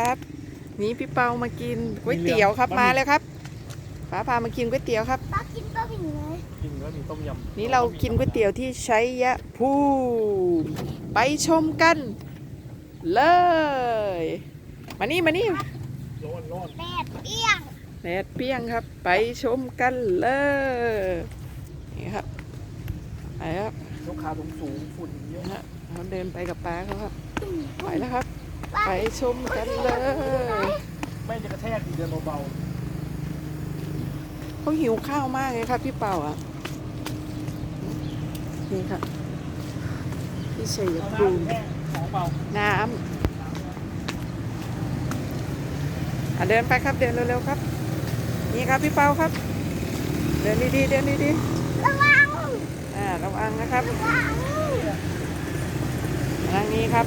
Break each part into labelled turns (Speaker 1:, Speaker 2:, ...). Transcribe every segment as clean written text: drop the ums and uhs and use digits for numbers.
Speaker 1: ครับนี่พี่เปามากินก๋วยเตี๋ยวครับมาเลยครับป้าพามากินก๋วยเตี๋ยวครับ
Speaker 2: ป้ากินก็ผิงเลย
Speaker 3: กินแล้วมีต้มยำ
Speaker 1: นี่เรากินก๋วยเตี๋ยวที่ชัยภูมิไปชมกันเลยมานี่
Speaker 3: ร้อน
Speaker 2: แดดเปรี้ยง
Speaker 1: แดดเปรี้ยงครับไปชมกันเลยนี่ครับไปครับ
Speaker 3: ยกขาสูงฝุ่นเยอะ
Speaker 1: นะฮะเราเดินไปกับป้าเขาครับไปแล้วครับไปชมกันเลย
Speaker 3: ไม่จะกระแทกเดินเบา
Speaker 1: เขาหิวข้าวมากเลยครับพี่เป่าอ่ะนี่ครับพี่ชัย
Speaker 3: ๆ
Speaker 1: ภูมิ
Speaker 3: แห้งของเบา
Speaker 1: น้ำเดินไปครับเดินเร็วๆครับนี่ครับพี่เปาครับเดินดีๆเดินดี
Speaker 2: ระวัง
Speaker 1: ๆระวังนะครับ
Speaker 2: ระวัง
Speaker 1: ทางนี้ครับ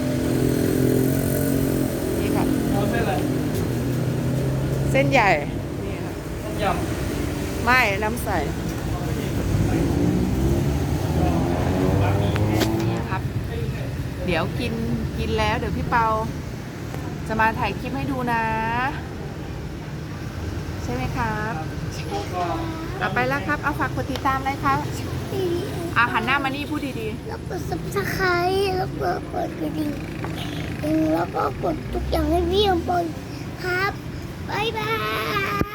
Speaker 1: นี่ครับ
Speaker 3: เอาเส้นอะไร
Speaker 1: เส้นใหญ่นี่ครับ
Speaker 3: ต้มยำ
Speaker 1: ไม่น้ำใสนี่ครับเดี๋ยวกินแล้วเดี๋ยวพี่เปาจะมาถ่ายคลิปให้ดูนะใช่ไหมครับเอาไปแล้วครับเอาฝากกดติดตามเลยครับหันหน้ามานี่พูดดี
Speaker 2: แล้วกด subscribe แล้วก็กดกระดิ่งแล้วก็กดทุกอย่างให้พี่อมพลครับบ๊ายบาย